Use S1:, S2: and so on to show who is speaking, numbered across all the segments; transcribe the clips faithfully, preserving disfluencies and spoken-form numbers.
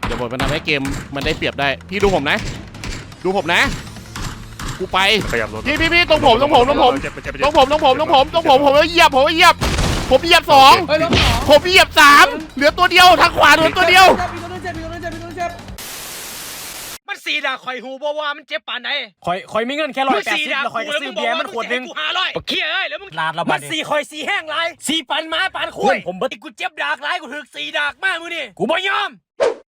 S1: เดี๋ยวผมจะทำให้เกมมันได้เปรียบได้พี่ดูผมนะดูผมนะกูไปพี่พี่พี่ตรงผมตรงผมตรงผมตรงผมตรงผมตรงผมตรงผมผมเหยียบผมเหยียบผมเหยียบสองผมเหยียบสามเหลือตัวเดียวทางขวาเหลือตัวเดียว
S2: มันสีด่าข่อยหูบ่ว่ามันเจ็บปานไหน
S3: ข่อยข่อยมีเงินแค่ร้อยแปดสิบแล้วข่อยก็ซื้อเบียร์มันขวดนึง
S2: กูหาร้อยเขี้ยเอ้ยแล้วมึง
S3: ลาดละ
S2: มั
S3: บัด
S2: นสีข่อยสีแห้งไรสีปันม้าปานคุ้ยผมบ่กูเจ็บดากไรกูถึกสีดากมากมึงนี่กูบ่ยอม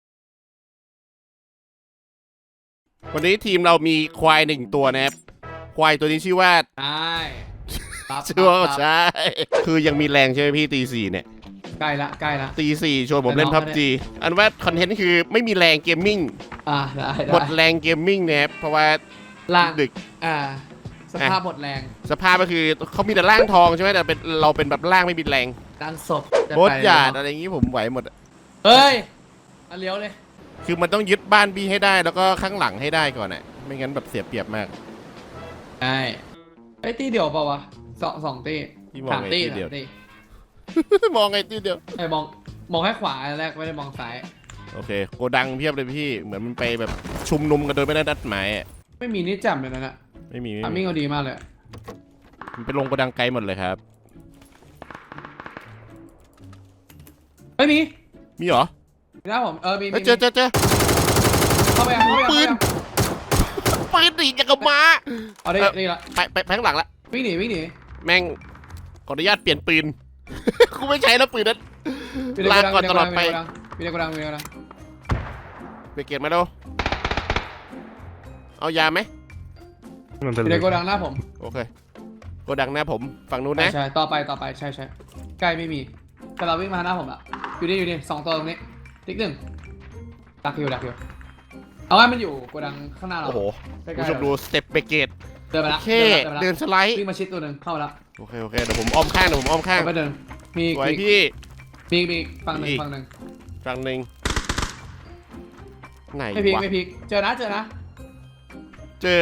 S1: วันนี้ทีมเรามีควายหนึ่งตัวนะครับควายตัวนี้ชื่อว่า
S4: ใช่
S1: ชื่อว่าใช่คือยังมีแรงใช่ไหมพี่ตีสี่เนี่ย
S4: ใกล้ละใกล้ละ
S1: ตีสี่ชวนผมเล่นพับจีอันว่าคอนเทนต์คือไม่มีแรงเกมมิ่ง
S4: อ่าได้
S1: หมดแรงเกมมิ่งนะครับเพราะว่า
S4: ล่าง
S1: ดึก
S4: อ่าสภาพหมดแรง
S1: สภาพก็คือเขามีแต่ร่างทองใช่ไหมแต่เป็นเราเป็นแบบร่างไม่มีแรง
S4: ร่างศพ
S1: โบสหยาดอะไรอย่างงี้ผมไหวหมด
S4: เฮ้ยอันเลี้ยวเลย
S1: คือมันต้องยึดบ้านบี้ให้ได้แล้วก็ข้างหลังให้ได้ก่อนน่ะไม่งั้นแบบเสียเปรียบมาก
S4: ใช่ไอ้ตีเดียวเปล่าวะสองสองตี
S1: สามตีเดียวมองไงตีเดียว
S4: ไอ้มองมองแค่ขวาแรกไม่ได้มองซ้าย
S1: โอเคโกดังเพียบเลยพี่เหมือนมันไปแบบชุมนุมกันโดยไม่ได้นัดหมาย
S4: ไม่มีนี่จับเลยนะ
S1: ไม่มี
S4: ทำมิ่งเขาดีมากเลย
S1: มันไปลงโกดังไกลหมดเลยครับ
S4: ไม่มี
S1: มีเหรอ
S4: มีนะผมเออมี
S1: เจอเจอเจอ
S4: เข้าไปเข้าไป
S1: ปืนปืนหนีจากกระม้า
S4: เอาได้ได้ละ
S1: ไปไปไปข้างหลังละ
S4: วิ่งหนีวิ่งหนี
S1: แม่งขออนุญาตเปลี่ยนปืนกูไม่ใช้แล้วปืนนั้นลากก่อนตลอดไป
S4: มีในกระดังมีในกระดัง
S1: ไปเก็บมาดูเอายาไหม
S4: มีในกระดังหน้าผม
S1: โอเคกระดังหน้าผมฝั่งนู้นนะ
S4: ใช่ต่อไปต่อไปใช่ใช่ใกล้ไม่มีแต่เราวิ่งมาหน้าผมละอยู่นี่อยู่นี่สองตัวตรงนี้ติ๊กหนึ่งดักอยู่ดักอยู่เอาไว้มันอยู่กระดังข้างหน้าเรา
S1: โอ้โหผู้ชมดูสเต็ปเบเกต
S4: เดินไปละ
S1: เดินสไลด์
S4: วิ่งมาชิดตัวหนึ่งเข้าแล้ว
S1: โอเคโอเคเดี๋ยวผมอ้อมข้างเดี๋ยวผมอ้อมข้าง
S4: ไปเดินมี
S1: สวยพี่
S4: มีมีฝั่งหนึ่งฝั่งหนึ่ง
S1: ฝั่งหนึ่งไหนวะ
S4: ไม่พีกไม่พีกเจอนะเจอนะ
S1: เจอ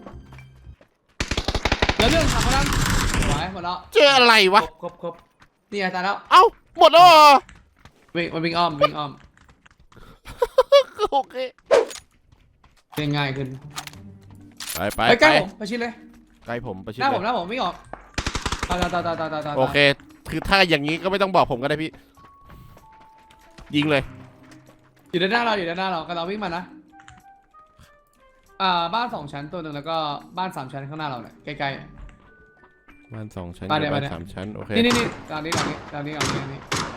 S4: เดี๋ยวเรื่องทำมาแล้วไหวหมดแล้ว
S1: เจออะไรวะ
S4: ครบครบนี่ตายแล้ว
S1: เอ้าหมดแล้วเหรอ
S4: วิ่งมันวิ่งอ้อมวิ่งอ้อม
S1: โอเค
S4: ง่ายขึ้น
S1: ไปไป
S4: ใกล้ผมไปชิดเลย
S1: ใกล้ผมไปชิด
S4: หน้าผมหน้าผมไม่ออกตายตายตายตายตายตาย
S1: โอเคคือถ้าอย่างนี้ก็ไม่ต้องบอกผมก็ได้พี่ยิงเลย
S4: อยู่ด้านหน้าเราอยู่ด้านหน้าเราก็เราวิ่งมานะอ่าบ้านสองชั้นตัวหนึ่งแล้วก็บ้านสามชั้นข้างหน้าเราเนี่ยใกล้
S1: ๆบ้านสองชั้นบ้านสามชั้นโอเค
S4: นี่นี่นี่หลังนี้หลังนี้หลังนี้หลังนี้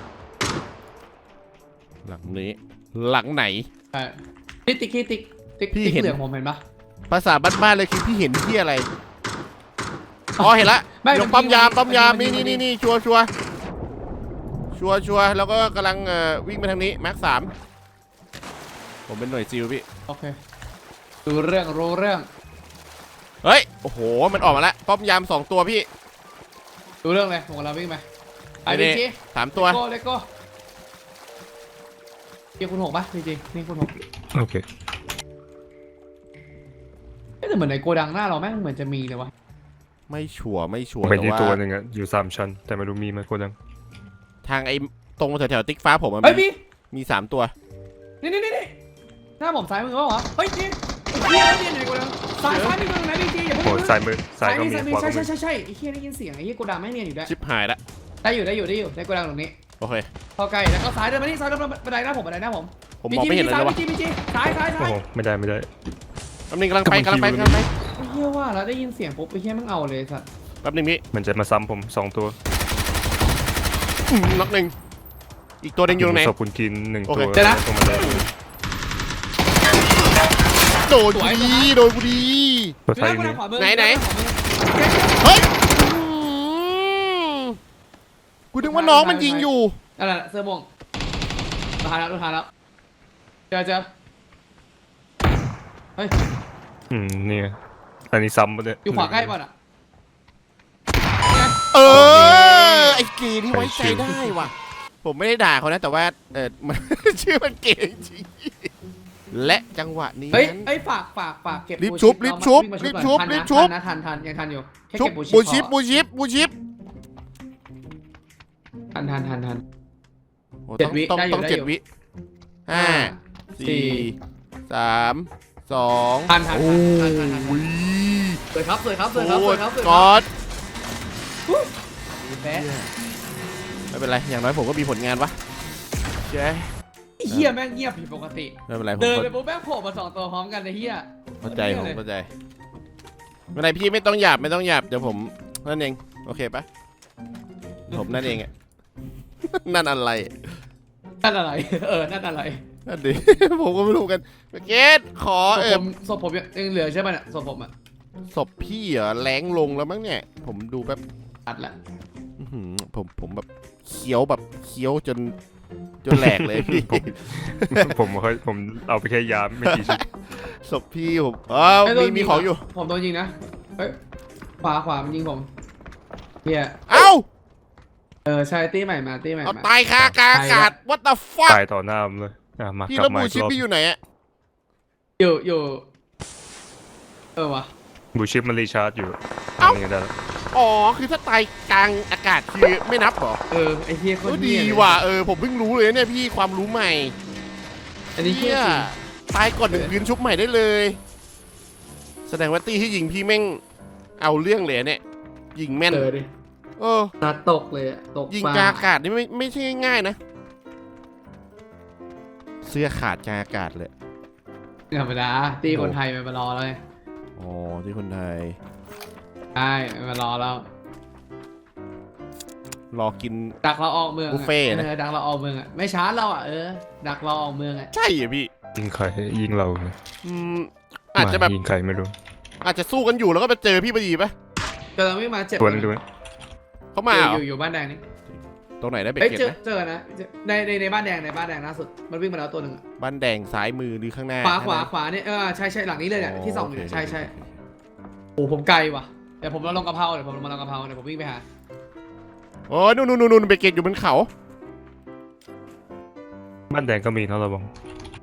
S1: หลังนี้หลังไหน
S4: ใช่ติ๊กติ๊กติ๊กติ๊กติ๊กเหลืองผมเห็นปะ
S1: ภาษาบ้านๆเลยคือพี่เห็นที่อะไรอ๋อเห็นละยกปั๊มยามปั๊มยามนี่นี่นี่นี่ชัวชัวชัวชัวแล้วก็กำลังวิ่งไปทางนี้แม็กสามผมเป็นหน่วยซิลพี่
S4: โอเคดูเรื่องรู้เรื่อง
S1: เฮ้ยโอ้โหมันออกมาแล้วปั๊มยามสองตัวพี่
S4: ดูเรื่องเลยผมกำลังวิ่งไปไอ้บีจี
S1: สามตัว
S4: โก้เลโก้นี่คุณหกป่ะบีจีนี่คุณหก
S3: โอเค
S4: แต่เหมือนในโกดังหน้าเราแม่งเหมือนจะมีเลยวะ
S1: ไม่ชัวร์ไม่ชัวร์
S3: แต่ว่าตัวหนึ่งอะอยู่สามชั้นแต่ไม่รู้มีไหมโกดัง
S1: ทางไอ้ตรงแถวๆติ๊กฟ้าผม
S4: มันมี
S1: มีสามตัว
S4: นี่นี่นี่หน้าผมซ้ายมือวะวะเฮ้ยจีเฮียนี่ไหนโกดังซ้ายซ้ายมือไหนบีจีอย่าเพิ่ง
S3: ซ้ายมือซ้ายก็มี
S4: ใช่ใช่ใช่ใช่ไอ้เฮียได้ยินเสียงไอ้เฮียโกดังแม่งเนียนอยู่ได้
S1: ชิบหายละ
S4: ได้อยู่ได้อยู่ได้อยู่ได้โกดังตรงนี้
S1: โอเค
S4: พอไกลแล้วก็ซ้ายเดินมานี่ซ้ายเดินมาบันไดหน้าผมบันไดหน้าผม
S1: ผมมองไม่เห็นเลยว่ะ
S4: บีจีบีจีซ้ายซ้ายซ้าย
S3: ไม่ได้ไม่ได้
S1: แป๊บนึงกำลังไปกำลังไปกำลังไป
S4: เฮียว่าแล้วได้ยินเสียงปุ๊บไอ้เฮียมันเอาเลยสัตว์
S1: แป๊บนึงพี่
S3: มันจะมาซ้ำผมสองตัว
S1: น็อกหนึ่งอีกตัวหนึ่งอยู่ตรงไหน
S3: ศพคุณกินหนึ่งตัว
S4: เจอนะ
S1: โดนบุรีโดนบุรีไหนไหนเฮ้ยกูนึกว่าน้องมันยิงอยู่
S4: อะไรเสื้อม่วงราคาแล้วราคาแล้วเจอเจอเฮ้ย
S3: อืมนี่อันนี้ซ้ำมาเลย
S4: อยู่ขวาใกล้ป่ะอ่ะ
S1: เออไอ้เกย์ที่ไว้ใจได้ว่ะผมไม่ได้ด่าเขานะแต่ว่าเออมันชื่อมันเกย์จริงและจังหวะนี้
S4: เฮ้ยไอ้ฝากฝากฝากเก็บ
S1: รีบชุบรีบชุบรีบชุบรีบชุบ
S4: นะทันทันยังทันอยู่แค่
S1: เก็บบูชิปบูชิปบูชิป
S4: ทันทันทันทัน
S1: เจ็ดวิต้องต้องเจ็ดวิห้าสี่สามสอง
S4: ทันทัน
S1: โอ้
S4: ทันทันทันทัน
S1: ย
S4: สวยครับสวยครับสวยครับสวยครับสวย
S1: ก
S4: ครับ
S1: อด
S4: แพ้
S1: ไม่เป็นไรอย่างน้อยผมก็มีผลงานวะเจ๊
S4: เฮียแม่งเงียบผิดปกติ
S1: ไม่เป็นไรผม
S4: เดิน
S1: ก็
S4: ไปปุ๊บแม่งโผล่มาสองตัวพร้อมกันในเฮีย
S1: เข้าใจผมเข้าใจไม่เป็นไรพี่ไม่ต้องหยาบไม่ต้องหยาบเดี๋ยวผมนั่นเองโอเคปะผมนั่นเองอะ นั่นอะไร
S4: นั่นอะไร เออ นั่นอะไร
S1: นั่นดิ ผมก็ไม่รู้กันเกตขอ
S4: ศพ
S1: เอ
S4: ผ
S1: อ
S4: มศพผมยังเหลือใช่ป่ะเนี่ยศพผมอ่ะ
S1: ศพพี่เหรอแรงลงแล้วมั้งเนี่ย ผมดูแบบ
S4: ตัดละ
S1: อื้อหือผมผมแบบเคี้ยวแบบเคี้ยวจนจนแหลกเลยพี่
S3: ผมเคยผมเอาไปแค่ยาไม่กี่ชิ้น
S1: ศพพี่ผมอ้าวมีมีของอยู่
S4: ผมโดนยิงนะเฮ้ยขวาขวามันยิงผมเฮีย
S1: เอ้า
S4: เออใช่ตีใหม่มาตีใหม่
S1: เอา
S4: มา
S1: ตายคากลางอากาศ what the fuck
S3: ตายต่อหน้าผมเลยอ่ะมา
S1: พี่
S3: กลั
S1: แล้ว
S3: บมา
S1: บู
S3: อีก
S1: ชิป
S3: รอบ
S1: พี่อยู่ไหนอะ
S4: อยู่อยู่เออวะ
S3: บูชิปมันรีชาร์จอยู่
S1: เอ้า
S3: ทำยังไงได้ละ
S1: อ๋อคือถ้าตายกลางอากาศคือไม่นับเหรอ
S4: เออไอเฮียโค
S1: ก็
S4: ตร
S1: ดี
S4: เหี้ยเลย
S1: ว่ะเออผมเพิ่งรู้เลยเนี่ยพี่ความรู้ใหม่
S4: อันนี้เฮีย
S1: เหี้ย
S4: จริง
S1: ตายก่อนหนึ่งคืนชุบใหม่ได้เลย แสดงว่าตี้ที่ยิงพี่แม่งเอาเรื่องเลยอะเนี่ยยิงแม่น
S4: เออดิ
S1: เออ
S4: นัดตกเลยอะตก
S1: ยิง
S4: ฟ้
S1: กลางอากาศนี่ไม่ไม่ใช่ง่ายๆนะ เสื้อขาดกลางอากาศเลย
S4: ธรรมดาตีคนไทยมันมารอแล้วไง
S1: อ๋อที่คนไทย
S4: ใช่มันมารอแล้ว
S1: รอกิน
S4: ดักเราออกเมืองอะ
S1: บุฟเฟ่ต์นะ
S4: เออดักเราออกเมืองอ่ะไม่ช้าเราอ่ะเออดักเราออกเมืองอ่ะ
S1: ใช่เหรอพี่
S3: ยิงใครยิงเราเลย
S1: อืมอาจจะแบบ
S3: ยิงใครไม่รู้
S1: อาจจะสู้กันอยู่แล้วก็ไปเจอพี่พอดีปะ
S4: กำลังวิ่งมาเจ็บ
S3: ตัวนึงด้วย
S1: เขามาเหร
S4: อ
S1: อยู่
S4: อยู่บ้านแดงนี่
S1: ตรงไหนได้เบรก
S4: เอ้ย
S1: เก็ต
S4: เจอ
S1: นะ
S4: เจอนะในในในบ้านแดงในบ้านแดงล่าสุดมันวิ่งมาแล้วตัวหนึ่งอะ
S1: บ้านแดงซ้ายมือหรือข้างหน้า
S4: ขวาขวาขวาเนี่ยเออใช่ใช่หลังนี้เลยเนี่ยที่สองอยู่เนี่ย
S1: โค
S4: ใช่ใช่โอ้ผมไกลว่ะเดี๋ยวผมมาลงกะเพราเดี๋ยวผมมาลงกะเพราเดี๋ยวผมวิ่งไปหา
S1: โอ้ยนู่นนู่นนู่นเบรกเก็ตอยู่บนเขา
S3: บ้านแดงก็มีเท่าระวัง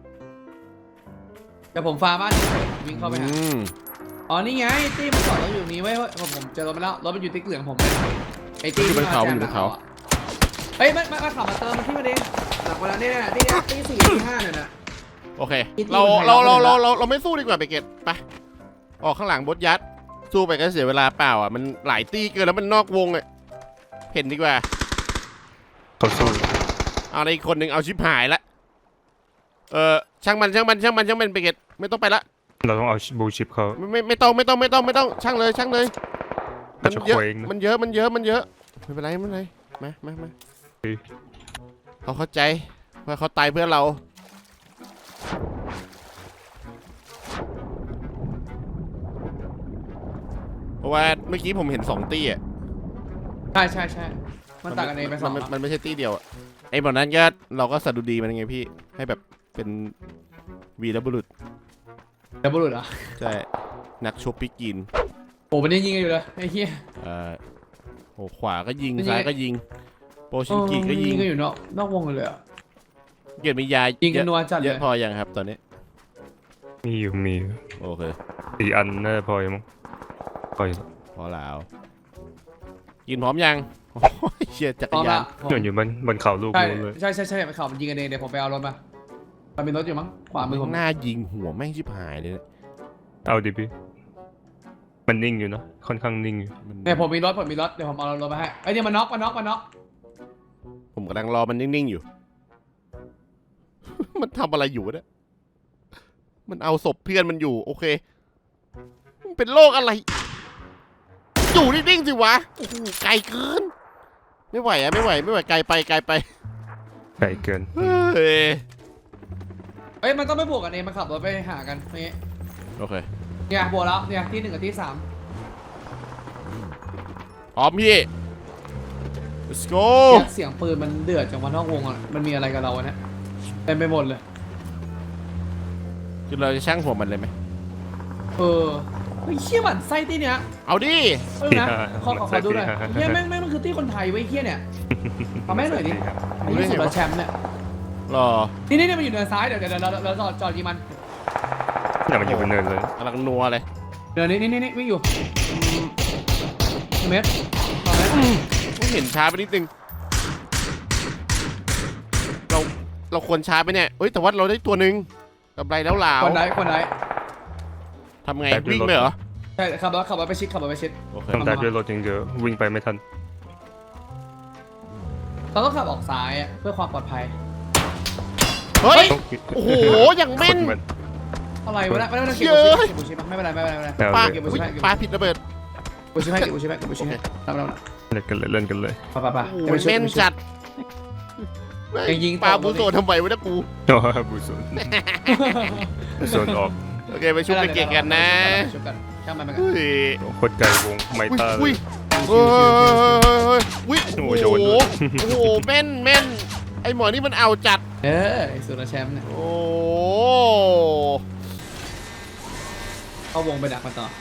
S4: เดี๋ยวผมฟาบ้านนี้วิ่งเข้าไปหา
S1: อืม
S4: อ๋อนี่ไงตี้มันจอดรถอยู่นี้ไว้ยผมผมเจอรถมาแล้วรถมันอยู่ติ๊กเหลืองผมเลยไอ้ตี้
S1: อยู่บ
S4: ที่
S1: น
S4: มา
S1: เขา
S4: แจ
S1: อ
S4: ม
S1: ยู่
S4: ห
S1: บ
S4: ลั
S1: น
S4: ง
S1: เขา
S4: เขาอะเฮ้ยมันมันมันขับมาเติมมาที่มาเด้งหลังเวลาเนี่ยนะตี้เนี่ยตี้สี่ตี้ห้าเนี่ยนะ
S1: โอเค
S4: อีกที
S1: เรา
S4: คนไทย
S1: เราเราเรา
S4: ละ
S1: เราเราไม่สู้ดีกว่าเบรกเก็ตไปออกข้างหลังบดยัด สู้ไปก็เสียเวลาเปล่าอ่ะมันหลายตี้เกินแล้วมันนอกวงอ่ะเห็นดีกว่า
S3: เขาสู้
S1: เอาในอีกคนหนึ่งเอาชิปหายละเออช่างมันช่างมันช่างมันช่างมันเบรกเก็ตไม่ต้องไปละ
S3: เราต้องเอาบูชิปเขา
S1: ไม่ไม่ไม่ต้องไม่ต้องไม่ต้องไม่ต้องช่างเลยช่างเลย
S3: เขาจะ
S1: เยอะ
S3: เคว้งนะ
S1: มันเยอะมันเยอะมันเยอะไม่เป็นไรไม่เป็นไรมามามา
S3: เฮ้ย
S1: เขาเข้าใจว่าเขาตายเพื่อเราเพราะว่าเมื่อกี้ผมเห็นสองตี้อ่ะ
S4: ใช่ใช่ใช่มันต่างกันเองไปสอง
S1: มัน
S4: อะ
S1: มันไม่ใช่ตี้เดียวอะไอ้แบบนั้นก็เราก็สะดุดีมันไงพี่ให้แบบเป็นวีรบุรุษ
S4: เดี๋ยวบุรุษเหรอ
S1: ใช่นักชกปิกิน
S4: โอ้มันยังยิงกันอยู่เลยไอ้เหี้ย
S1: เอ่อโอ้ขวาก็ยิง
S4: มันยิง
S1: ซ้ายก็ยิงโปชินกิก็ยิง
S4: กันอยู่นอกนอกวงเลยอ่ะ
S1: เกียรติมียา
S4: ยิงกัน
S1: เย
S4: นัวจัด
S1: อะ
S4: เล
S1: เย
S4: ย
S1: อะพอยังครับตอนนี้
S3: มีอยู่มีอยู่
S1: โอเค
S3: สี่อันน่าจะพออยู่มั้งพออยู่
S1: พอแล้วกินพร้อมยังโอ้ยเชียจัก
S4: พร้
S1: ร
S4: อม
S1: ยา
S4: ละ
S1: น
S3: ส่วนอยู่บนบนเขาลูก
S4: ใช่
S3: นู้นเลย
S4: ใช่ใช่ใช่ไปข่าวมันยิงกันเองเดี๋ยวผมไปเอารถมามันมีรถอยู่มั้งขวามือผม
S1: หน้ายิงหัวแม่งชิบหายเลยเนี่ย
S3: เอาดิพี่มันนิ่งอยู่เนอะค่อนข้างนิ่งอยู่
S1: มัน
S4: เนี่ยผมมีรถผมมีรถเดี๋ยวผมเอารถมาให้ไอ้เนี่ยมันน็อกมันน็อกมันน็อก
S1: ผมกำลังรอมันนิ่งๆอยู่ มันทำอะไรอยู่เนี่ยมันเอาศพเพื่อนมันอยู่โอเคมันเป็นโรคอะไรอยู่นิ่งๆสิวะโอ้โหไกลเกินไม่ไหวอะไม่ไหวไม่ไหวไกลไปไกลไป
S3: ไกลเกิน
S1: เฮ้ย
S4: เอ้ยมันต้องไม่บวกกันเองมันขับรถไปหากันนี่
S1: โอเค
S4: เนี่ยบวกแล้วเนี่ยที่หนึ่งกับที่สาม
S1: พร้อมพี่ let's go
S4: เนี่ยเสียงปืนมันเดือดจากวันนอกวงอ่ะมันมีอะไรกับเราอะเนี่ยเต็มไปหมดเลย
S1: คือเราจะช่างหัวมันเลยไหม
S4: เออเฮ้ยเชี่ยมันไส้ที่เนี้ย
S1: เอาดิ
S4: เออนะขอขอขอดูหน่อยเฮียแม่งแม่งมันคือที่คนไทยไว้ยเฮียเนี่ยเอาแม่งหน่อยดิไอ้ที่สุดละแชมป์เนี่ย
S1: รอ
S4: นี่นี่นี่มันอยู่เนินซ้ายเดี๋ยวเดี๋ยวเราเราจอดจอดยิงมัน
S3: เนี่ยมันอยู่บนเนินเลย
S1: กำลังนัวเลย
S4: เดี๋ยวนี้นี่นี่นี่วิ่งอยู่หนึ่งเมตรสองเมตร
S1: ผมเห็นช้าไปนิดนึงเราเราควรช้าไปเนี่ยเอ้ยแต่ว่าเราได้ตัวหนึ่งกำไรแล้วหลาว
S4: คนไหนคนไหน
S1: ทำไงวิ่งไปเหรอ
S4: ใช่ขับรถขับรถไปชิดขับรถไปชิด
S1: โอเค
S3: ต้องได้ด้วยรถอย่างเดียววิ่งไปไม่ทัน
S4: เราต้องขับออกซ้ายอะเพื่อความปลอดภัย
S1: เฮ้ยโอ้โหอย่างแม่น
S4: อะไรวะเนี่ยไม่ต้องเก็บบูชิปไม่เป็นไรไม่เป็นไรไม่เป็นไร
S1: ปลา
S4: เก็บบูชิปให้เก็บ
S1: ปลาผิดระเบิด
S4: บูชิปให้เก็บบูชิปให้เก็บบูชิปให้ทำเรา
S3: เล่นกันเลยเล่นกันเลย
S4: ไปไปไป
S1: โอ้โหแม่นจัด
S4: ยังยิง
S1: ปลาบูโซทำไมวะเนี่ยกู
S3: โอ้บูโซนบูโซนออก
S1: โอเคไปชุบไปเก่งกันนะ
S4: ชุบกันช่างมันไปกัน
S1: เฮ้ย
S3: โคตรไกลวงไมตาเล
S1: อุ้ย
S3: ย
S1: เฮ้ยอุ้ย
S3: โอ้
S1: โอ้
S3: โห
S1: โห
S3: โดนด้วย
S1: โอ้โหแม่นแม่นไอหมอนี่มันเอาจัด
S4: เออสุดแชมป์เนี่ย
S1: โอ้
S4: เข้าวงไปดักมันต่อ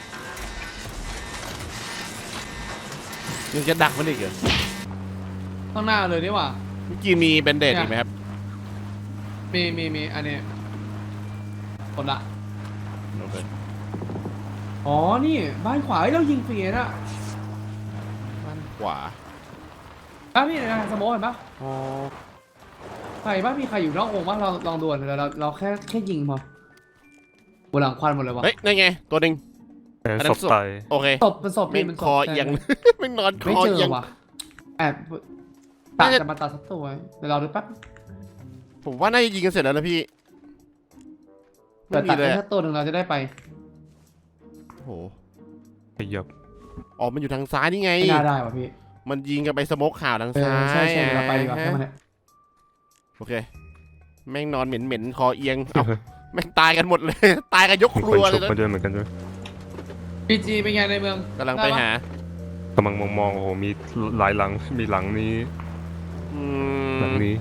S1: ยังจะดักมันอีกเหรอ
S4: ข้างหน้าเลยนี่หว่า
S1: เมื่อกี้มีแบนเดดอีกไหมครับ
S4: มีมีมีอันนี้คนละ
S1: โอเค
S4: อ๋อนี่บ้านขวาเรายิงฟรีนะ
S1: ด้านขวา
S4: บ้านพี่นะสโมอเห็นปะ
S1: อ๋อ
S4: ใครบ้านมีใครอยู่นอกวงบ้างเราลองดูเราเราเราแค่แค่ยิงพอบนหลังควันหมดเลยวะ
S1: เฮ้ยนั่นไงตัวหนึ่ง
S3: แต่
S1: อันนั้
S3: ศ
S1: น
S3: พ
S1: ศพ
S3: ตาย
S1: โอเค
S4: ศพเป็นศพ
S1: ไม่
S4: เป็นศพ
S1: คอเอียง ไม่นอนค
S4: ไม่
S1: อ
S4: เจ
S1: เอีย
S4: อง ว่ะแอบตัดจะมาตัดสักตัวเดี๋ยวเราดูแป๊บ
S1: ผมว่าน่าจะยิงกันเสร็จแล้วนะพี่
S4: เดี๋
S1: ไม่
S4: ยว
S1: มี
S4: ตัด
S1: เลย
S4: แค่
S1: อะ
S4: ตัวหนึ่งเราจะได้ไป
S1: โอ้โห
S3: ขยับ
S1: ออกมันอยู่ทางซ้ายนี่ไง
S4: ไม่น่าได้ว่ะพี่
S1: มันยิงกันไปสโมกข่าวทาง
S4: เอ
S1: ซ้า
S4: อย ใช่ใช่เดี๋ยวเราไปดีกว่า
S1: ฮะ
S4: แค่มันเนี่ย
S1: โอเค แม่งนอนเหม็นเหม็นๆคอเอียง เอ้าแม่งตายกันหมดเลย ตายกันยก
S3: มี
S1: ค
S3: ค
S1: รั
S3: น
S1: วเล
S3: ชุ
S1: ย
S3: บ
S1: นะ
S3: มาด้วยเหมือนกันด้วย
S4: พีจีเป็นไงในเมือง
S1: กำลังไปหา
S3: กำลังมองมองๆโอ้โหมีหลายหลังมีหลังนี้
S1: อื
S3: หลัง
S1: ม
S3: นี้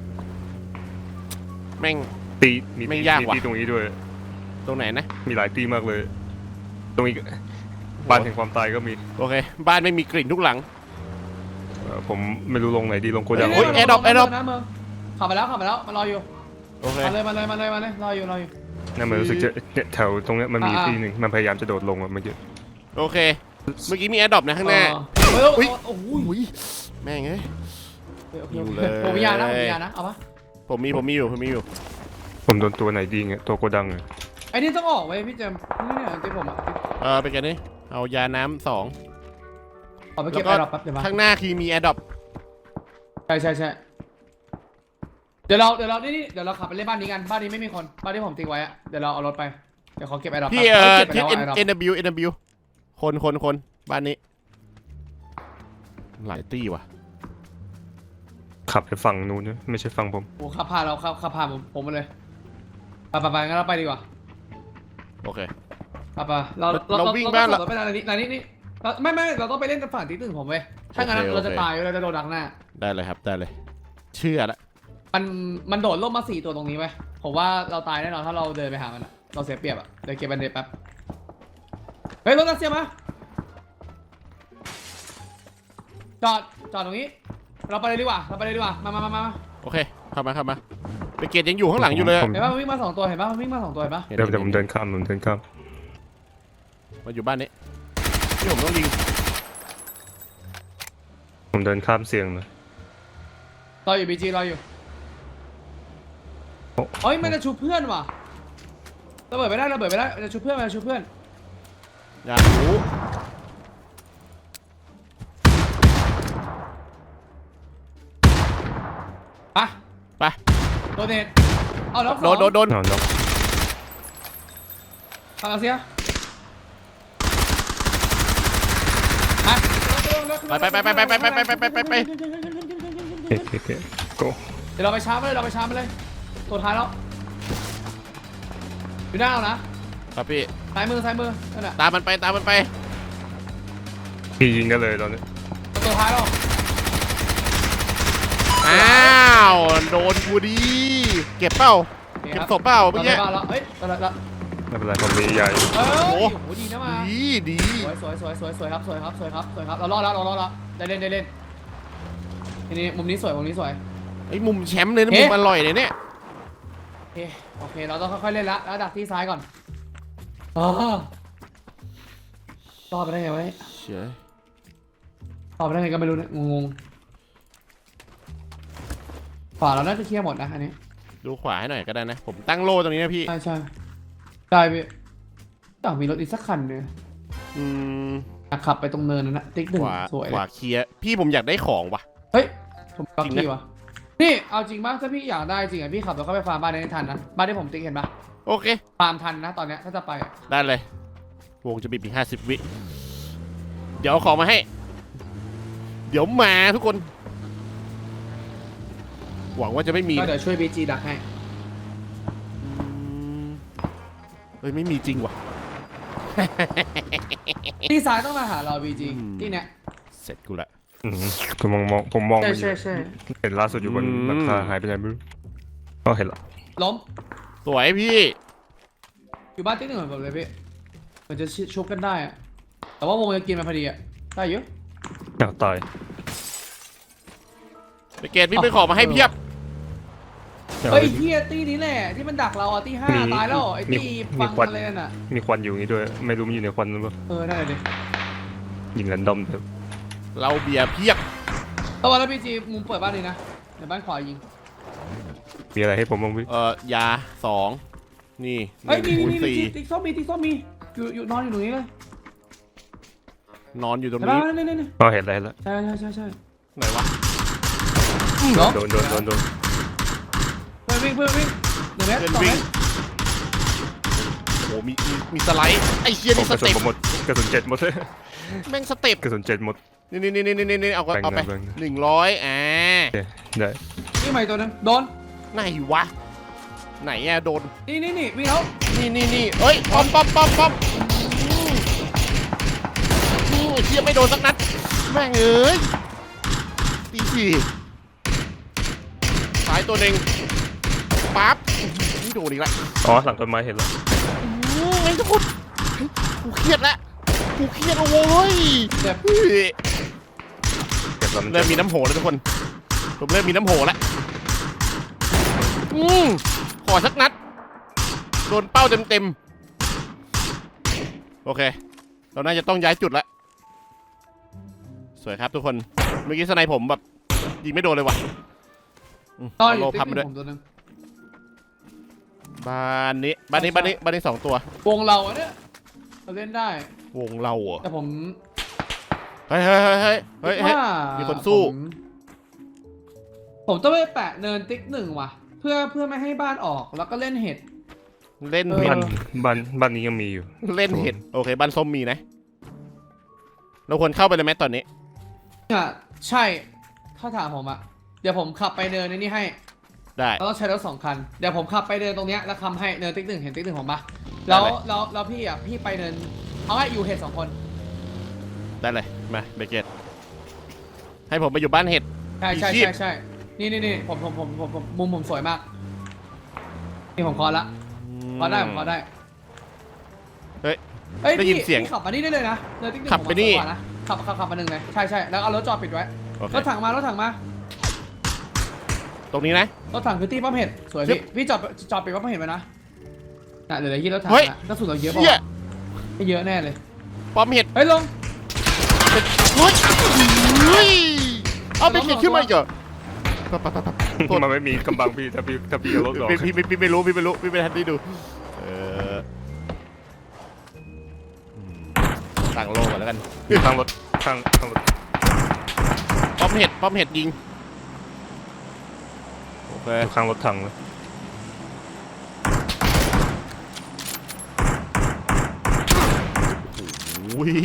S1: แม่ง
S3: ตีมี
S1: ไม่
S3: ตี
S1: ยาก
S3: มี
S1: ว่ะ
S3: ตีตรงนี้ด้วย
S1: ตรงไหนนะ
S3: มีหลายตีมากเลย ตรงนี้บ้านแห่งความตายก็มี
S1: โอเค บ้านไม่มีกลิ่นทุกหลัง
S3: เอ่อผมไม่รู้ลงไหนดีลงโกดัง
S1: โอ้ย Adopt Adopt
S4: นะเมืองขับไปแล้วขับไปแล้วมารออยู่
S1: โอเค
S4: มาเลยมาเลยมาเลยมาเลยรออยู่รออยู่
S3: นั่นมันรู้สึกจะเนี่ยแถวตรงเนี้ยมันมี
S4: อ่า
S3: ตีหนึ่งมันพยายามจะโดดลงอะเมื่อกี้
S1: โอเค เมื่อกี้มีแอดดอปนะข้างหน้า
S4: เออ
S1: อุ๊
S4: เฮ้
S1: ย
S4: ยโอ้โห
S1: อุ้ยแม่งเอ้ย
S4: โอเค
S1: อยู่
S4: โอ
S1: เล
S4: เค
S1: ย
S4: ผมมียานะผมมียานะเอาปะ
S1: ผมมีผมมีอยู่ผมมีอยู่
S3: ผมโดนตัวไหนดีเงี้ยตัวโกดังอะ
S4: ไอ้นี่ต้องออกไว้พี่เจมส์นี่เนี่ยที่ผมอ่ะ
S1: เออเป็นไงนี่เอายาน้ำสอง
S4: ขอไปเก็บ
S1: แล้ว
S4: ไอ้
S1: ก็
S4: ดอกแป๊บเดี๋ยวมา
S1: ข้างหน้าคือมีแอดดอป
S4: ใช่ใช่ใช่เดี๋ยวเราเดี๋ยวเรานี่นี่เดี๋ยวเราขับไปเล่นบ้านนี้กันบ้านนี้ไม่มีคนบ้านที่ผมทิ้งไว้อะเดี๋ยวเราเอารถไปเดี๋ยวขอเก็บไอ้ดอก
S1: พี่เอ่อ
S4: ก็บไป
S1: ทิศ
S4: แล้ว
S1: เอ็น
S4: ไอ้ดอก
S1: เอ็นบิวเอ็นบิวคนคนคนบ้านนี้ หลายตี้ว่ะ
S3: ขับไปฝั่งนู้นนะไม่ใช่ฝั่งผม
S4: โอ้ขับผ่านเราขับขับผ่านผมผมมาเลยไปไปไปงั้นเราไปดีกว่า
S1: โอเค
S4: ไปไปเรา
S1: เราวิ่งบ้าน
S4: เรา
S1: ละ
S4: ต้องไปไหนนี่ไหนนี่นี่เราไม่ไม่เราต้องไปเล่นฝั่งที่ตึ้งผมเว้ยถ้างั้น
S1: โอเค
S4: เราจะ
S1: โอเค
S4: ตายเราจะโดนดักหน้า
S1: ได้เลยครับได้เลย เชื่อละ
S4: มันมันโดดล่มมาสี่ตัวตรงนี้ไว้ยผมว่าเราตายแน่นอนถ้าเราเดินไปหามันอะเราเสียเปรียบอะเดี๋ยวเก็บบันเดตแป๊บเฮ้ยรถรัสเซียมาจอดจอดตรงนี้ เราไปเลยดีกว่าเราไปเลยดีกว่ามามามามา
S1: โอเคเข้ามาเข้ามาไปเกตยังอยู่ข้างหลังอยู่เลยอะ
S3: ผม
S4: เห็นป่ะมันวิ่งมาสองตัวเห็นป่ะมันวิ่งมาสองตัวเห็นป่ะ
S1: เห็น
S3: เดี๋ยวเดี๋ยว
S1: ห็
S3: ผมเดินข้ามผมเดินข้าม
S1: มาอยู่บ้านนี้ที่ผมต้องยิง
S3: ผมเดินข้ามเสียงนะ
S4: รออยู่บีจีรออยู่เฮ้ยมันจะชูเพื่อนว่ะระเบิดไปได้ระเบิดไปได้มันจะชูเพื่อนมันจะชูเพื่อน
S1: อยากรู้
S4: ไป
S1: ไป
S4: โดนเนตเอาแล้ว
S1: โดนโดนโดน
S3: นอนนอน
S4: ทางอาเซียไป
S1: ไปไปไปไปไปไปไปไปไปไปไป
S3: โอเคโอเคโก
S4: เดี๋ยวเราไปชาร์จมันเลยเราไปชาร์จมันเลยตัวท้ายแล้วอยู่หน้าเรานะครับ
S1: พี่
S4: ซ้ายมือซ้ายมือนั่นแหละ
S1: ตามมันไปตามมันไป
S3: พี่ยิงได้เลยตอนนี้
S4: ตัวท้ายแล้ว
S1: อ้าวโดนกูดีเก็บเป้าเก็บศพเป้า
S4: เมื่
S1: เมื่
S4: อ
S1: อ
S4: กี้
S1: กี้
S4: แล้วเอ้ยแล้วแล้ว
S3: ไม่เป็นไรผมมีใหญ่
S4: เอ้ย
S1: โอ้
S4: โอ้
S1: โห
S4: โหดีนะมา
S1: ดีดี
S4: สวยสวยสวยสวยสวยครับสวยครับสวยครับสวยครับเรารอดแล้วเรารอดแล้วได้เล่นได้เล่นทีนี้มุมนี้สวยมุมนี้สวย
S1: ไอ้มุมแชมป์เลยนะ
S4: เอ๊ะ
S1: มุมอร่อยเลยเนี่ย
S4: โอเคโอเคเราต้องค่อยๆเล่นละแล้วดักที่ซ้ายก่อนอ๋อรอดไปได้ไงวะเนี่ย
S1: เชื่อ
S4: รอดไปได้ไงก็ไม่รู้เนี่ยงงๆขวาเราน่าจะเคลียร์หมดนะอันนี้
S1: ดูขวาให้หน่อยก็ได้นะ ผมตั้งโล่ตรงนี้นะพี่
S4: ใช่ใช่ได้พี่อยากมีรถอีกสักคันเนี่ย
S1: อืม
S4: อยากขับไปตรงเนินนั้นนะติ๊กหนึ่ง
S1: ขวา
S4: สวย
S1: ขวาเคลียร์พี่ผมอยากได้ของว่ะ
S4: เฮ้ยผมรับ
S1: จริงนะ
S4: พี่วะนี่เอาจริงป่ะถ้าพี่อยากได้จริงอ่ะพี่ขับรถเข้าไปฟาร์มบ้านได้ทันนะบ้านที่ผมติ๊กเห็นปะ
S1: โอเค
S4: ฟาร์มทันนะตอนเนี้ยถ้าจะไปอะ
S1: ได้เลย วงจะบีบอีกห้าสิบวิ เดี๋ยวเอาของมาให้ เดี๋ยวมาทุกคน หวังว่าจะไม่มี
S4: ก็เดี๋ยวช่วยบีจีดักให้
S1: อืมเฮ้ยไม่มีจริงว่ะ
S4: ที่ซ้ายต้องมาหาเราบีจี
S1: อืม
S4: ที่เนี้ย
S1: เสร็จกูละ
S3: อืมผมมองมองผมมอง
S4: ใช่
S3: ไปอยู่
S4: ใช่ใช่
S3: เห็นล่าสุดอยู่บน
S1: อืม
S3: หลังคาหายไปไหนไม่รู้ก็เห็นละ
S4: ล้ม
S1: สวยพี่
S4: อยู่บ้านติ๊กหนึ่งเหมือนผมเลยพี่เหมือนจะชุบกันได้อะแต่ว่าวงจะกินมาพอดีอะได้เยอะ
S3: อยากตาย
S1: ไปเกตพี่ไปขอมาให้เพียบ
S3: อยาก
S4: เฮ้ย
S3: ไป
S4: ที่ตี้นี้แหละที่มันดักเราอ่ะที่ห้า
S3: มี
S4: ตายแล้วไอ้
S3: มี
S4: ที่
S3: มี
S4: ฟัง
S3: ควัน
S4: อะไรนั่นอ่ะ
S3: มีควันอยู่อย่างนี้ด้วย ไม่รู้มันอยู่ในควันหรือเปล่า
S4: เออนั่นแหละดิ
S3: ยิงแรนดอมแบบ
S1: เราเบียร์เพียบ
S4: ตะวันแล้วพีจีมุมเปิดบ้านนี้นะเดี๋ยวบ้านขวายิง
S3: มีอะไรให้ผมบ้างพี่
S1: เอ่อยาสองนี่ห
S4: เฮ้ย
S1: นึ่ง
S4: มี
S1: คูณ
S4: มีมี
S1: สี่
S4: ติ๊กส้มมีติ๊กส้มมีอยู่อยู่นอนอยู่ตรงนี้เลย
S1: นอนอยู่ตรง
S4: เห็นปะ
S1: นี้
S4: นี่นี่นี่
S3: ก็เห็นอะไรแล้ว
S4: ใช่ใช่ใช่ใช่
S1: ไหนวะ
S4: เนาะ
S3: โดนโดนโดนโดน
S4: เพื่อนวิ่งเพื่อนวิ่งหนึ่งเมตร
S1: เพื่อน
S4: สอง
S1: วิ่
S4: เม
S1: ง
S4: ตร
S1: โอ้โหมีมีมีสไลด์ไอ้เชีย
S3: ผม
S1: นี่
S3: ก
S1: ส
S3: ระสุน
S1: เต็ป
S3: ผมหมดกระสุนเจ็ดหมดเลย
S1: แม่งสเต็ป
S3: กระสุนเจ็ดหมด
S1: นี่นี่นี่นี่นี่นี่เอาก็
S3: แบ่ง
S1: เอาไป
S3: แบ่ง
S1: หนึ่งร้อยอ่า
S3: โอเคได้
S4: นี่ใหม่ตัวนึงโดน
S1: ไหนวะ ไหนอะโดน
S4: นี่นี่นี่วิ่งแล้ว
S1: นี่นี่นี่เอ้ยป้อมป้อมป้อมป้อมอืมอืมไอ้เชียไม่โดนสักนัดแม่งเอ้ยตีสี่สายตัวหนึ่งปั๊บไม่โดนอีกแล้ว
S3: อ๋อหลังต้นไม้เห็นแล้ว
S1: อืมไอ้ทุกคนเฮ้ยกูเครียดแล้วกูเครียดแล้วโว้ย
S4: เจ็บ
S1: เฮ้ย
S3: เก็บแล้วมัน
S1: เริ่
S3: จะ
S1: มมีน้ำโหแล้วทุกคนผมเริ่มมีน้ำโหแล้วอืมขอสักนัดโดนเป้าเต็มเต็มๆโอเค เราน่าจะต้องย้ายจุดแล้วสวยครับทุกคนเมื่อกี้สไนผมแบบยิงไม่โดนเลยว่ะอืม
S4: ต่อ
S1: เอา
S4: อ
S1: โล
S4: ยู่ติ๊
S1: พั
S4: ก
S1: บ
S4: ห
S1: มา
S4: นึ่
S1: ด้วย
S4: งผมตัวนึง
S1: บ้านนี้บ้านนี้บ้านนี้บ้านนี้สองตัว
S4: วงเราอะเนี่ยเราเล่นได้
S1: วงเราเหรอ
S4: แต่ผม
S1: เฮ้ยเฮ้ยเฮ้ยเฮ้ยเฮ้ยเฮ้ย
S4: ว่า
S1: มีคนสู้
S4: ผมผมต้องไปแปะเนินติ๊กหนึ่งว่ะ เพื่อเพื่อไม่ให้บ้านออกแล้วก็เล่นเห็ด
S1: เล่น
S4: เออ
S1: เห็
S3: บ้า
S1: ด
S3: นบ้านบ้านนี้ยังมีอยู่
S1: เล่นเห็ดโอเคบ้านส้มมีนะ เราควรเข้าไปเลยไหมตอนนี้
S4: อ่ะใช่ถ้าถามผมอะเดี๋ยวผมขับไปเนินในนี่ให้
S1: ได้
S4: เราต้องใช้รถสองคันเดี๋ยวผมขับไปเนินตรงเนี้ยแล้วคำให้เนินติ๊กหนึ่งเห็นติ๊กหนึ่งผมปะแล้วแล้วแล้วพี่อะพี่ไปเนินเอาให้อยู่เห็ดสองคน
S1: ได้เลยมาเบเกตให้ผมไปอยู่บ้านเห็ด
S4: ใช่ใช่
S1: มีชีพ
S4: ใช่ใช่นี่นี่นี่ผมผมผมผมผมมุมผมสวยมากนี่ผมคอละคอได้ผมคอได้
S1: เฮ้ย
S4: เอ้ย
S1: ได้ยิน
S4: พี่
S1: เสียง
S4: พี่ขับมานี่ได้เลยนะเนินติ๊กหนึ่ง
S1: ขับไปนี่
S4: ผมว่าสวยกว่านะขับขับขับมาหนึ่งเลยใช่ใช่แล้วเอารถจอดปิดไว้
S1: โอเค
S4: รถถังมารถถังมา
S1: ตรงนี้นะ
S4: รถถังคือตีป้อมเห็ดสวย
S1: ชิ
S4: พี่
S1: บ
S4: พี่จอดจอดปิดป้อมเห็ดไว้นะน่ะเหลือที่รถถัง
S1: เฮ้ย
S4: อะกระสุนเราเยอะ
S1: เฮีย
S4: ป่ะไม่เยอะแน่เลย
S1: ป้อมเห็ด
S4: เฮ้ยลง
S1: เฮ้ยเฮ้ยเอาเบเกตขึ้นมาอีกเหรอปั๊บปั๊บปั๊บปั๊บโทษ
S3: มันไม่มีกำบังพี่ถ้าพี่ถ้าพี่เอารถออก
S1: พี่พี่พี่พี่ไม่รู้พี่ไม่รู้พี่ไม่ทันได้ดูเอออืมตั้งโลก่อนแล้วกัน
S3: ข้างรถข้างข้างรถ
S1: ป้อมเห็ดป้อมเห็ดยิงโอเค
S3: ข้างรถถังเลย
S1: อุ้ย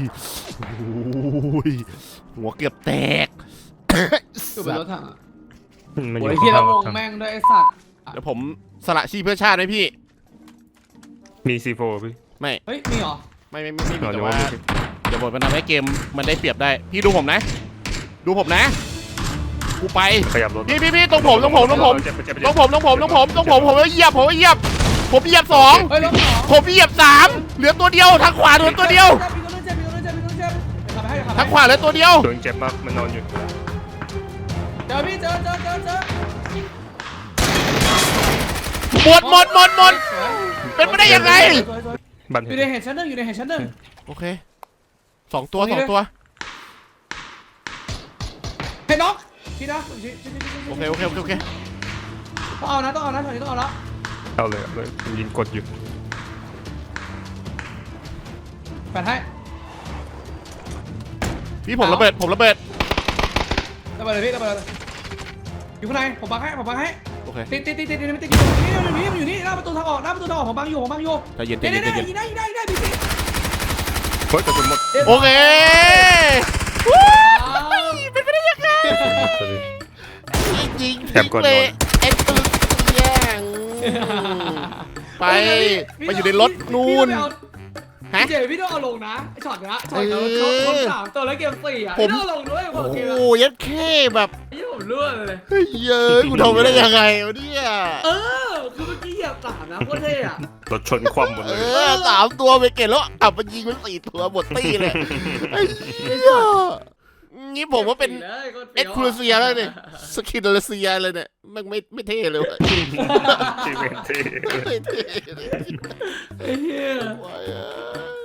S1: อุ้ยหัวเกือบแตก
S4: อยู่บนรถถังอะ
S3: มันอ
S4: โอ้
S3: ยู่
S4: ยเฮียแล้
S3: ข้าว งร
S4: ว
S3: ถ
S4: ง
S3: ถัง
S4: แม่งด้วยไอ้สัตว์
S1: เดี๋ยวผมสละชีพเพื่อชาติไหมพี่
S3: มีซีโฟพี่
S1: ไม่
S4: เฮ้ยมีเหรอ
S1: ไม่ไม่ไม่ไม่มี
S3: อ๋อ
S1: แต่
S3: เดี๋ยว
S1: ว่า
S3: ว่ามี
S1: เดี๋ยวบทมันทำให้เกมมันได้เปรียบได้ พี่ดูผมนะ ดูผมนะ กูไป
S3: ขยับรถ
S1: พี่พี่พี่ตรงผมตรงผมตรงผม
S3: เจ็บเจ็บ
S1: ต
S3: เจ็
S1: ร
S3: บ
S1: งผมตรงผมตรงผมตรงผมผมเหยียบผมเหยียบผมเหยียบสอง
S4: เฮ้ยรถสอง
S1: ผมเหยียบสามเหลือตัวเดียวทางขวาเหลือตัวเดียว
S4: มีตัวนึงเจ็บมีตัวนึงเจ็บมีตัวนึงเจ็บเดี๋ยวขับไปให้เดี๋ยวขับไป
S1: ทางขวาเหลือตัวเดียว
S3: โดนเจ็บมากมันนอนอยู่
S4: เจอพี่เจอเจอเจอเจอ
S1: หมดหมดหมดหมด
S4: สวย
S1: เป็นไปได้ยังไง
S4: สวยสวย
S3: บัน
S4: อ
S3: เห็
S4: ยู่
S3: น
S4: ในเห็ดชั้นหนึ่งอยู่ในเห็ดชั้นหนึ่ง
S1: โอเคสองตัว
S4: ตรงนี้
S1: สองตัว
S4: เห็ดน็อกพี่นะชิชิชิชิชิ
S1: โอเคโอเคโอเคโอเค
S4: ต้องเอานะต้องเอานะตอนนี้ต้องเอาละ
S3: เอาเลยเอาเลยผมยิงกดอยู่
S4: แปดให้
S1: พี่ผมระเบิดผมระเบิด
S4: ระเบิดเลยพี่ระเบิดเลยอยู่ข้างในผมบังให้ผมบังให้
S1: โอเค
S4: ติดติดติดติดติดติดอยู่ตรงนี้มันอยู่นี่มันอยู่นี่หน้าประตูทางออกหน้าประตูทางออกผมบังอยู่ผมบังอยู่
S1: ใจเย็นใจ
S4: เดี๋ยว
S1: เย็นใจ
S4: เดี๋ยว
S1: เย็น
S4: ยิงได้ยิงได้ยิงได้พี่พี่
S3: เฮ้ยแต่คุณหมด
S1: โอเค
S4: เป็นไปได้ยังไง
S1: จริง
S3: แถมก่อนนอน
S1: เลยเอ็กซ์ตึกแย่งไปไปอยู่ในรถนู่นฮะ
S4: พี่เจพี่ต้องเอาลงนะไอช็อตเนี้ยช็อตเนี้ยเขาเขาสามตัวแล้วเกมสี่อ่ะ
S1: ผม
S4: พี่ต้องเอาลงด้วยผม
S1: โอ้
S4: เกม
S1: โห
S4: อ่ะ
S1: ยัดแค่แบบ
S4: ยี่ผมเลื่อนเลย
S1: เฮ้ยเย้ยกูทำไปได้ยังไงวะเนี่ย
S4: เออคือเมื่อกี้เหยียบสามนะโคตรเท่อะ
S3: รถชนคว่ำหมด
S1: เอ
S3: เลย
S1: อสามตัวไปเก็บแล้วอับมันยิงมันสี่ตัวหมดตีเลยไอ้เหี้ยงี้ผมว่าเป็นเอ็กซ์คลูเซียแล้วเนี่ยสกินเลเซียเลยเนี่ยมันไม่ไม่เท่เลยวะ
S3: ที่เวนที่
S1: ไม่เท่เลย
S4: ไอ้เหี้ย
S1: โอ้ย